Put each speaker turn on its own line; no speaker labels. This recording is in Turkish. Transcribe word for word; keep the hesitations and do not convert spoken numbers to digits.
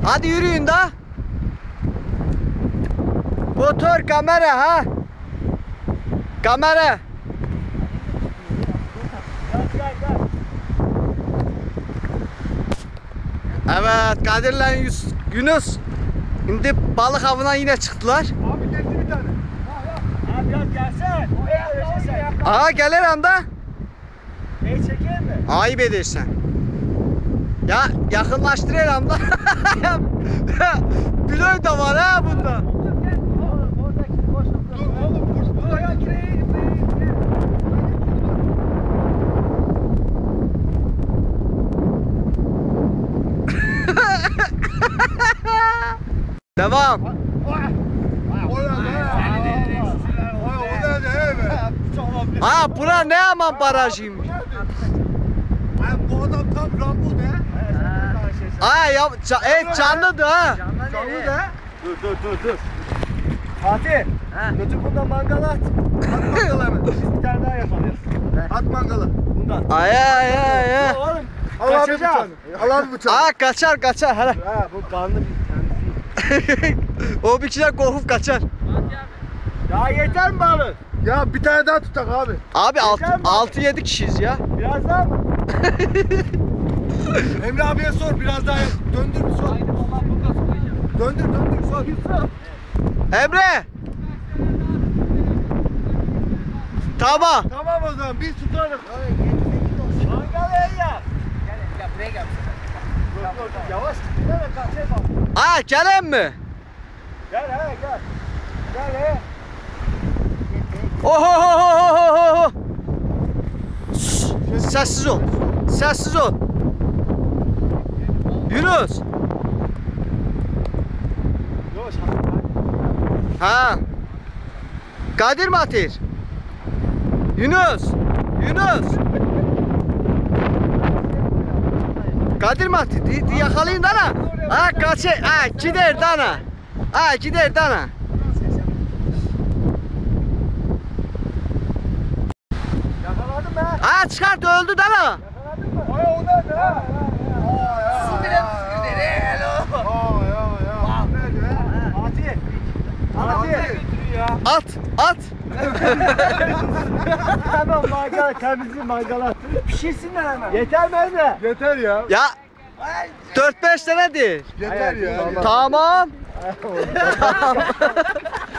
Hadi yürüyün da. Motor, kamera ha. Kamera. Evet, Kadir'le Yunus şimdi balık avına yine çıktılar.
Abi geldi bir tane.
Abi biraz gelsene.
Aha gelir anda.
Neyi çekeyim mi?
Ayıp edersen. Ya yakınlaştır el anda. Pilot da var ha bunda.
Dur oğlum bu buraya gireyim.
Devam. Ha bura ne aman barajıymış.
Bu adam tam Rambo be.
Ha ya ca et canlıdı ha.
Canlı da.
Dur dur dur dur. Fatih. Götür bundan mangal at.
At mangalı hemen.
Biz bir tane daha yapalım.
At mangalı.
Bundan.
Ay ay ay ay.
Oğlum.
Al abi
Kaçacağız.
bıçağını. Al abi bıçağını.
Aa kaçar kaçar hele.
Ha bu kanlı bir tanesi.
O bir kişiden korkup kaçar.
Ya yeter mi balık?
Ya bir tane daha tutak abi.
Abi
Yeter mi?
altı yedi kişiyiz ya.
Biraz daha mı?
Emre abiye sor biraz daha döndür bir sor. Döndür döndür sor.
Emre. Tamam.
Tamam o zaman biz tutarız.
Mangal el ya. Gel gel buraya gel. Yavaş git de kaçayım bak.
Aa gelin mi?
Gel he gel. Gel he.
Oho. Sessiz ol. Sessiz ol. Yunus.
Yavaş.
Ha. Kadir mi atır? Yunus. Yunus. Kadir mi atır? Di, di yakalayın dana. Ha kaçı. Ha gider dana. Ha gider dana.
Yakaladım be.
Ha çıkart öldü dana.
Yakaladın mı?
Ay o nerede ha?
Su bile püskürdü. Hello.
Aa ya ya. Nerede be?
Fatih. Fatih.
At. At.
Hemen mangal temizliği mangala. Pişirsinler hemen. Yeter mi Emre?
Yeter ya.
Ya dört beş senedir.
Yeter ya.
Tamam.